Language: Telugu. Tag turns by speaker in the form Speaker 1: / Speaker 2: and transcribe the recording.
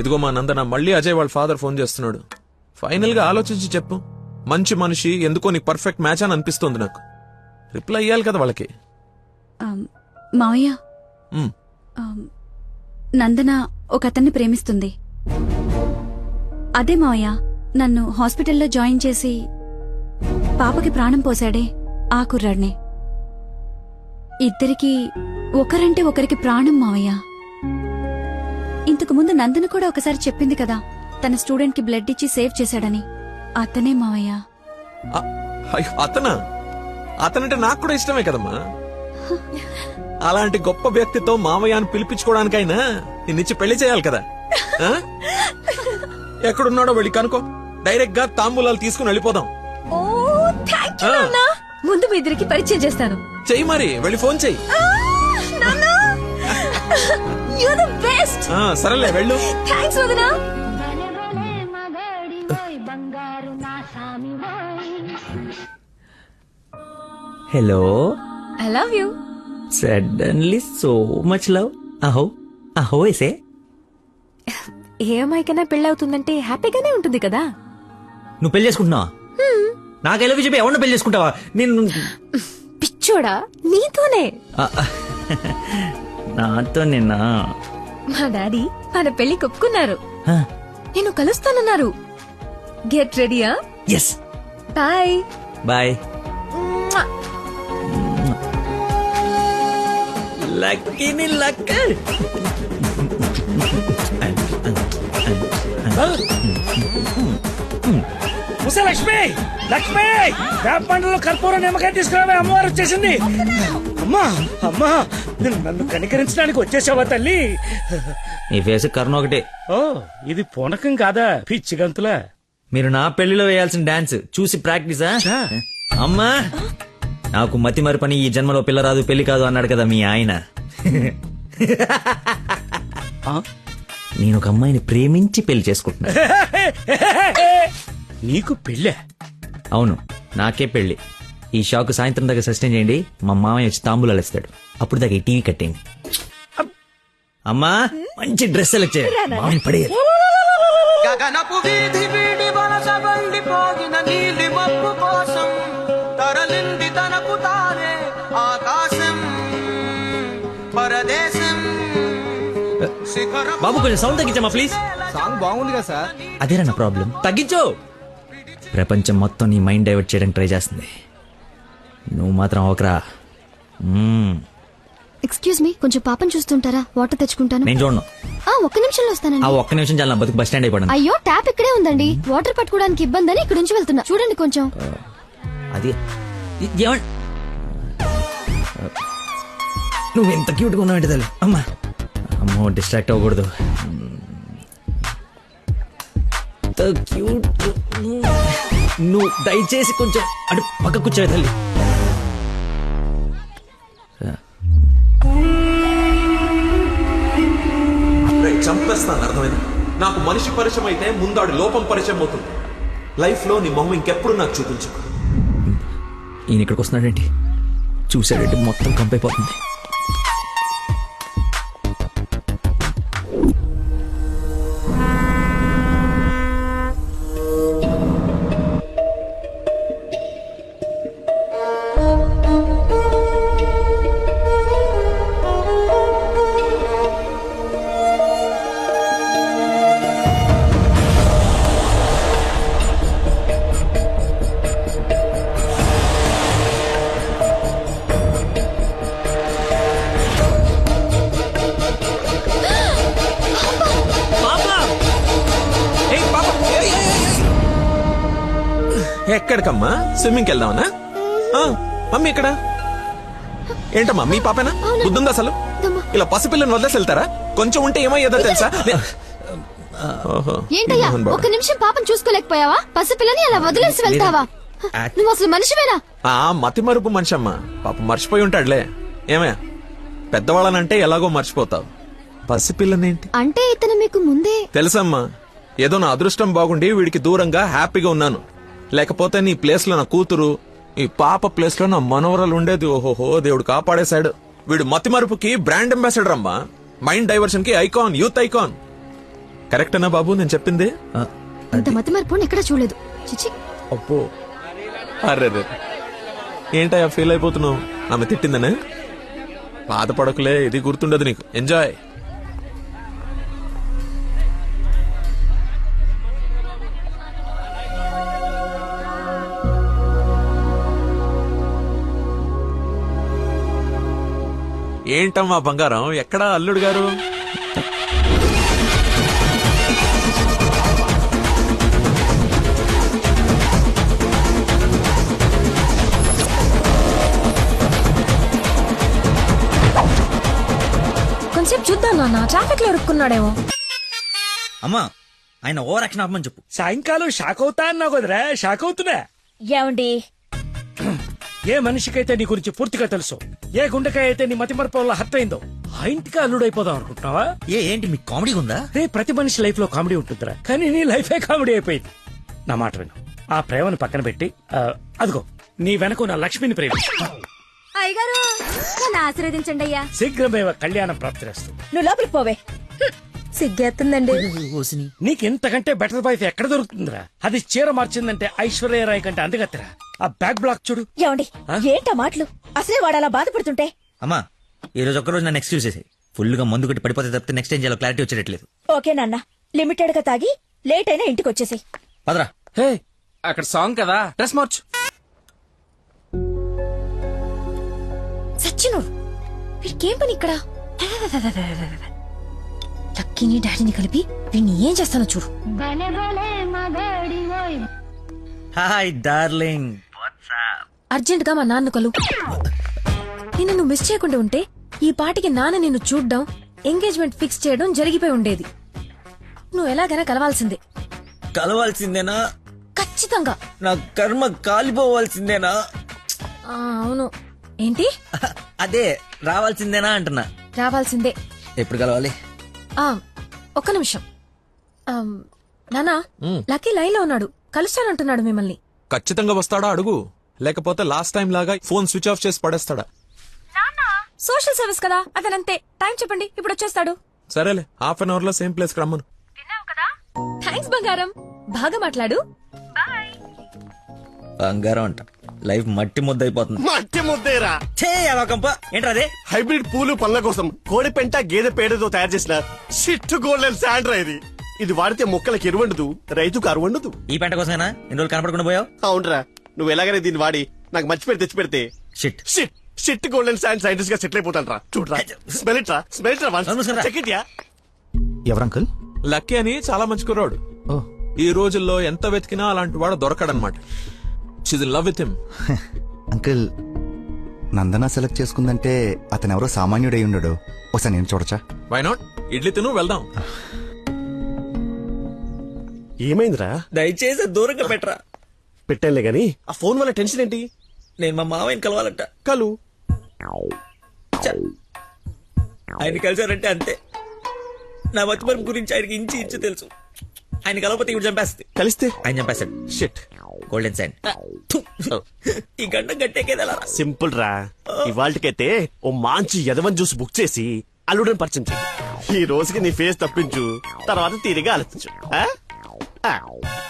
Speaker 1: ఇదిగో మా నందన, మళ్ళీ అజయ్ వాళ్ళ ఫాదర్ ఫోన్ చేస్తున్నాడు. ఫైనల్ గా ఆలోచించి చెప్పు. మంచి మనిషి, ఎందుకో నీకు పర్ఫెక్ట్ మ్యాచ్ అని అనిపిస్తుంది నాకు. రిప్లై ఇయ్యాలి కదా వాళ్ళకి.
Speaker 2: మావయ్య, నందన ఒక అతన్ని ప్రేమిస్తుంది. అదే మావయ్య, నన్ను హాస్పిటల్లో జాయిన్ చేసి పాపకి ప్రాణం పోశాడే ఆ కుర్రాడిని. ఇద్దరికి ఒకరంటే ఒకరికి ప్రాణం మావయ్య. ఇంతకు ముందు నందన కూడా ఒకసారి చెప్పింది కదా, తన స్టూడెంట్ కి బ్లడ్ ఇచ్చి సేవ్ చేశాడని. అతనే మావయ్య.
Speaker 1: అతనా? అతనంటే నాకు కూడా ఇష్టమే కదమ్మా. అలాంటి గొప్ప వ్యక్తితో మామయ్య అని పిలిపించుకోవడానికైనా నిన్నిచ్చి పెళ్లి చేయాలి కదా. ఎక్కడున్నాడో వెళ్ళి కనుకో, డైరెక్ట్ గా తాంబూలాలు తీసుకుని వెళ్ళిపోదాం.
Speaker 2: ముందు మీ ఇద్దరికి పరిచయం చేస్తాను.
Speaker 1: చెయ్యి మరి, వెళ్ళి ఫోన్ చెయ్యి. సరేలే వెళ్ళు.
Speaker 3: Hello,
Speaker 2: I love you.
Speaker 3: Suddenly so much love. అహో అహో ఎసే.
Speaker 2: ఏ అమ్మాయికైనా పెళ్ళవుతుందంటే హ్యాపీగానే ఉంటుంది కదా.
Speaker 3: నువ్వు పెళ్లి చేసుకుంటున్నావా? నాకు ఎలా చెప్పి ఎవరిని పెళ్లి చేసుకుంటావా? నేను
Speaker 2: పిచ్చోడా, నీతోనే.
Speaker 3: నాతో నిన్నా
Speaker 2: మా డాడీ మన పెళ్లి ఒప్పుకున్నారు. నేను కలుస్తానన్నారు. గెట్ రెడీయా?
Speaker 3: ఎస్.
Speaker 2: Bye
Speaker 3: bye. లక్కీని లక్క.
Speaker 4: లక్ష్మి, లక్ష్మి, వేప పండ్లలో కర్పూరం నిమ్మకాయ తీసుకురావే, అమ్మవారు వచ్చేసింది. అమ్మా అమ్మా, నన్ను కనికరించడానికి వచ్చేసావా తల్లి?
Speaker 3: నీ ఫేస్ కరుణ ఒకటే.
Speaker 4: ఓ, ఇది పూనకం కాదా, పిచ్చి గంతులా?
Speaker 3: మీరు నా పెళ్లిలో వేయాల్సిన డాన్స్ చూసి ప్రాక్టీసా? అమ్మా, నాకు మతి మరి పని, ఈ జన్మలో పిల్ల రాదు పెళ్లి కాదు అన్నాడు కదా మీ ఆయన. నేను ఒక అమ్మాయిని ప్రేమించి పెళ్లి చేసుకుంటున్నా.
Speaker 4: నీకు పెళ్ళే?
Speaker 3: అవును, నాకే పెళ్లి. ఈ షాక్ సాయంత్రం దాకా సస్టైన్ చేయండి. మా మామయ్య వచ్చి తాంబూలాలు ఇస్తాడు. అప్పుడు దాకా ఈ టీవీ కట్టేయండి. అమ్మా, మంచి డ్రెస్ సెలెక్ట్ చేయాలి. మామయ్య పడేయాలి.
Speaker 5: గగనపు వీధి వీడి వలస వండిపోగిన నీలి మబ్బు కోసం తరలింది తనకు తానే ఆకాశం పరదేశం.
Speaker 3: బాబు కొంచెం సౌండ్ తగ్గించమ్మా ప్లీజ్.
Speaker 5: సాంగ్ బాగుంది కదా సార్.
Speaker 3: అదేరా నా ప్రాబ్లం. తగ్గించు. ప్రపంచం మొత్తం నీ మైండ్ డైవర్ట్ చేయడానికి ట్రై చేస్తుంది. నువ్వు మాత్రం ఒకరా.
Speaker 6: ఎక్స్క్యూజ్ మీ, కొంచెం పాపం చూస్తుంటారా? వాటర్ తెచ్చుకుంటాను.
Speaker 3: నేను చూడను.
Speaker 6: ఒక్క నిమిషంలో వస్తానండి.
Speaker 3: ఆ ఒక్క నిమిషం చాలా, నా బతుకు బస్ స్టాండ్ అయిపోయింది.
Speaker 6: అయ్యో, ట్యాప్ ఇక్కడే ఉందండి. వాటర్ పట్టుకోవడానికి ఇబ్బంది అని ఇక్కడ నుంచి వెళ్తున్నా. చూడండి కొంచెం.
Speaker 3: అది నువ్వు ఎంత క్యూట్ గా ఉన్నావు తల్లి. అమ్మా, అమ్మో, డిస్ట్రాక్ట్ అవ్వకూడదు. క్యూట్. నువ్వు దయచేసి కొంచెం అటు పక్క కూర్చోవే తల్లి.
Speaker 1: చంపేస్తాను, అర్థమైంది? నాకు మనిషి పరిచయం అయితే ముందాడు లోపం పరిచయం అవుతుంది. లైఫ్ లో నీ మొహం ఇంకెప్పుడు నాకు చూపించు.
Speaker 3: ఈయన ఇక్కడికి వస్తున్నాడేంటి? చూసాడంటే మొత్తం కంపైపోతుంది.
Speaker 1: ఎక్కడికమ్మా? స్విమ్మింగ్కి వెళ్దామనా? మమ్మీ ఇక్కడ ఏంటమ్మా? మీ పాపేనా? బుద్ధుందా అసలు? ఇలా పసిపిల్లని వదిలేసి వెళ్తారా? కొంచెం ఉంటే ఏమయ్యేదో తెలుసా?
Speaker 6: ఏంటయ్యా, ఒక్క నిమిషం పాపం చూసుకోలేకపోయావా? పసిపిల్లని అలా వదిలేసి వెళ్తావా? నువ్వు అసలు మనిషివేనా?
Speaker 1: మతి మరుపు మనిషి అమ్మా. పాప మర్చిపోయి ఉంటాడులే. ఏమయ్యా, పెద్దవాళ్ళనంటే ఎలాగో మర్చిపోతావు. పసిపిల్లనేంటి
Speaker 6: అంటే ఇతను మీకు ముందే
Speaker 1: తెలుసమ్మా. ఏదో నా అదృష్టం బాగుండి వీడికి దూరంగా హ్యాపీగా ఉన్నాను. లేకపోతే నీ ప్లేస్ లో నా కూతురు, ఈ పాప ప్లేస్ లో నా మనవరాలు ఉండేది. ఓహోహో, దేవుడు కాపాడేశాడు. వీడు మతి మరుపుకి బ్రాండ్ అంబాసిడర్ అమ్మా. మైండ్ డైవర్షన్ కి ఐకాన్, యూత్ ఐకాన్. కరెక్టేనా బాబు నేను చెప్పింది?
Speaker 3: ఆ,
Speaker 6: ఇంత మతి మరపు ఎక్కడ చూడలేదు చిచి.
Speaker 1: అబ్బో అర్రే ఏంటయ్యా ఫీల్ అయిపోతున్నావు? ఆమె తిట్టిందనే? బాధపడకులే, ఇది గుర్తుండదు నీకు. ఎంజాయ్. ఏంటమ్మా బంగారం, ఎక్కడా అల్లుడు గారు?
Speaker 7: కొంచెం చూద్దాం నాన్న, ట్రాఫిక్ లో ఇరుక్కున్నాడేమో.
Speaker 3: అమ్మా ఆయన ఓవర్ యాక్షన్ ఆపమని చెప్పు.
Speaker 4: సాయంకాలం షాక్ అవుతా అన్నావు కదరా, షాక్ అవుతున్నా.
Speaker 7: ఏమండి
Speaker 4: ఏ మనిషికైతే నీ గురించి పూర్తిగా తెలుసు, ఏ గుండెకాయ అయితే నీ మతి మరపు వల్ల హత్య అయిందో, ఆ ఇంటికి అల్లుడైపోదాం అనుకుంటున్నావా?
Speaker 3: ఏంటి మీకు కామెడీ ఉందా?
Speaker 4: రే, ప్రతి మనిషి లైఫ్ లో కామెడీ ఉంటుందిరా, కానీ నీ లైఫే కామెడీ అయిపోయింది. నా మాట విను, ఆ ప్రేమను పక్కన పెట్టి అదిగో నీ వెనక నా లక్ష్మిని ప్రేమించు.
Speaker 2: అయ్యగారు నన్ను ఆశీర్వదించండి అయ్యా.
Speaker 4: శీఘ్రమేవ కళ్యాణం ప్రాప్తిరేస్తూ.
Speaker 7: నువ్వు లోపలికి పోవే. సిగ్గేస్తుందండి.
Speaker 4: నీకెంతకంటే బెటర్ వైఫ్ ఎక్కడ దొరుకుతుందిరా? అది చీర మార్చిందంటే ఐశ్వర్యరాయ్ కంటే అందగత్తరా. ఆ బ్యాక్ బ్లాక్ చూడు.
Speaker 7: ఏమండి ఏంటా మాటలు? అసలే వాడు అలా బాధపడుతుంటే.
Speaker 3: అమ్మా ఈ రోజు ఒక్కరోజు నన్ను ఎక్స్క్యూజ్ చేసేది. ఫుల్ గా మందు కొట్టి పడిపోతే తప్పితే నెక్స్ట్ ఏం చేయాలో క్లారిటీ వచ్చేటట్లేదు.
Speaker 7: ఓకే నాన్న, లిమిటెడ్ గా తాగి లేట్ అయినా ఇంటికి వచ్చేసి.
Speaker 3: పదరా.
Speaker 5: హే అక్కడ సాంగ్ కదా, డ్రెస్ మార్చు.
Speaker 7: సచ్చినోడు వీడికేం పని ఇక్కడ? లక్కీని డాడీని కలిపి వీడిని ఏం చేస్తానో చూడు.
Speaker 3: Hi darling.
Speaker 7: అర్జెంట్ గా మా నాన్న కలు. నిన్ను నువ్వు మిస్ చేయకుండా ఉంటే ఈ పాటికి నాన్న నిన్ను చూడ్డం, ఎంగేజ్మెంట్ ఫిక్స్ చేయడం జరిగిపోయి ఉండేది. నువ్వు ఎలాగైనా కలవాల్సిందే.
Speaker 3: కలవాల్సిందేనా?
Speaker 7: ఖచ్చితంగా.
Speaker 3: నా కర్మ కాలిపోవాల్సిందేనా?
Speaker 7: అవును. ఏంటి?
Speaker 3: అదే రావాల్సిందేనా అంటున్నా.
Speaker 7: రావాల్సిందే.
Speaker 3: ఎప్పుడు కలవాలి?
Speaker 7: ఒక్క నిమిషం. నానా, లక్కీ లైన్ లో ఉన్నాడు, కలుస్తానంటున్నాడు మిమ్మల్ని.
Speaker 1: ఖచ్చితంగా వస్తాడా అడుగు, లేకపోతే లాస్ట్ టైం లాగా ఫోన్ స్విచ్ ఆఫ్ చేసి పడేస్తాడా?
Speaker 7: సోషల్ సర్వీస్ కదా, అతనంతే. టైం చెప్పండి, ఇప్పుడు వచ్చేస్తాడు.
Speaker 1: సరేలే, హాఫ్ అన్ అవర్ లో సేమ్ ప్లేస్ కి రమ్మను.
Speaker 7: థ్యాంక్స్ బంగారం, బాగా మాట్లాడు.
Speaker 3: బంగారం అంట, లైఫ్ మట్టి ముద్ద అయిపోతుంది.
Speaker 8: మట్టి ముద్దేరా.
Speaker 3: ఏంట్రా అదే?
Speaker 8: హైబ్రిడ్ పూలు పళ్ళ కోసం కోడి పెంట గేదె పేడతో తయారు చేసిన షిట్ గోల్డెన్ శాండ్రా ఇది. ఇది వాడితే మొక్కలకు ఎరువండదు, రైతుకు అరువండదు.
Speaker 3: ఈ పంట కోసమేనా ఎన్ని రోజులు కనపడకుండా పోయావు?
Speaker 8: అవునరా, నువ్వు ఎలాగైనా దీన్ని వాడి నాకు మంచి పేరు తెచ్చి పెడితే
Speaker 3: shit
Speaker 8: shit shit golden sand scientist గా సెటిల్ అయిపోతాను రా. చూడరా, స్మెల్ ఇట్ రా, స్మెల్ ఇట్ రా, చెక్ ఇట్ యా.
Speaker 5: ఎవరంకుల్?
Speaker 1: లక్కీ అని చాలా మంచి కుర్రాడు. ఈ రోజుల్లో ఎంత వెతికినా అలాంటి వాడు దొరకడనమాట. She's in love with him.
Speaker 9: Uncle, Nandana select చేసుకుందంటే అతను ఎవరో సామాన్యుడై ఉండడు. ఒకసారి నేను చూడచ్చా?
Speaker 1: Why not? ఇడ్లీ తిను, వెళ్దాం.
Speaker 8: ఏమైందిరా?
Speaker 3: దయచేసి దూరంగా పెట్టరా.
Speaker 8: పెట్టానులే గాని ఆ ఫోన్ వల్ల టెన్షన్ ఏంటి?
Speaker 3: నేను మా మామయ్యని కలవాలంట.
Speaker 8: కలు.
Speaker 3: ఆయన కలిసారంటే అంతే. నా మతిమరుపు గురించి ఆయనకి ఇంచి ఇంచు తెలుసు. ఆయన కలవకపోతే ఇప్పుడు చంపేస్తుంది.
Speaker 8: కలిస్తే
Speaker 3: ఆయన చంపేస్తాడు.
Speaker 8: షిట్.
Speaker 3: Golden sign. ఈ గంట గట్టేకేదలా
Speaker 8: సింపుల్ రా. ఇవాళకైతే ఓ మంచి యదవన్ జ్యూస్ బుక్ చేసి అల్లుడని పరిచయం చెయ్యి. ఈ రోజుకి నీ ఫేస్ తప్పించు, తర్వాత తీరిగా ఆలోచించు.